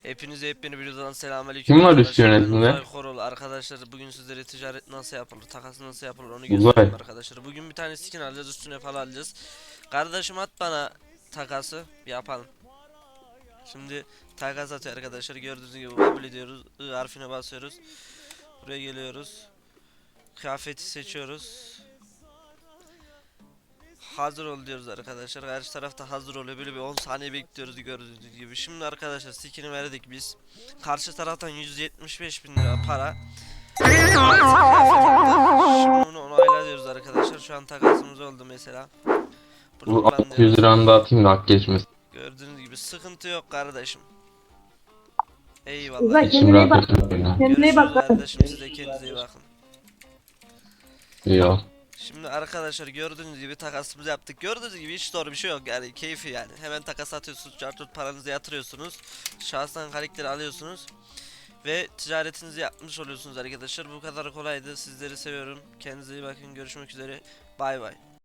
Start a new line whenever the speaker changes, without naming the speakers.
Hepinize yepyeni bir videodan selamünaleyküm
Kim var üst
arkadaşlar. Ben
yönetimde?
Uzay Korol. Arkadaşlar bugün sizlere ticaret nasıl yapılır, takas nasıl yapılır onu göstereyim
Uzay.
arkadaşlar. Bugün bir tane skin alacağız, üstüne falan alacağız. Kardeşim at bana takası yapalım. Şimdi takas atıyor arkadaşlar. Gördüğünüz gibi kabul ediyoruz. I harfine basıyoruz. Buraya geliyoruz. Kıyafeti seçiyoruz. Hazır ol diyoruz arkadaşlar. Karşı tarafta hazır oluyor. Böyle bir 10 saniye bekliyoruz gördüğünüz gibi. Şimdi arkadaşlar skin'i verdik biz. Karşı taraftan 175 bin lira para. Artı kıyafet attı. Şimdi bunu onayla diyoruz arkadaşlar. Şu an takasımız oldu mesela. Bunu
Bu
kullan
600
diyoruz.
liranı da atayım da hak geçmesin.
Gördüğünüz gibi sıkıntı yok kardeşim. Eyvallah
Uzay
İçim
eyvallah.
kendine iyi
rahat
bak.
etmiyor ya.
Kendine iyi
Görüşürüz
bak.
kardeşim, siz de kendinize iyi bakın.
İyi ol.
Şimdi arkadaşlar gördüğünüz gibi takasımızı yaptık. Gördüğünüz gibi hiç zor bir şey yok yani, keyfi yani. Hemen takas atıyorsunuz, cartut paranızı yatırıyorsunuz. Şahsen karakteri alıyorsunuz. Ve ticaretinizi yapmış oluyorsunuz arkadaşlar. Bu kadar kolaydı. Sizleri seviyorum. Kendinize iyi bakın. Görüşmek üzere. Bay bay.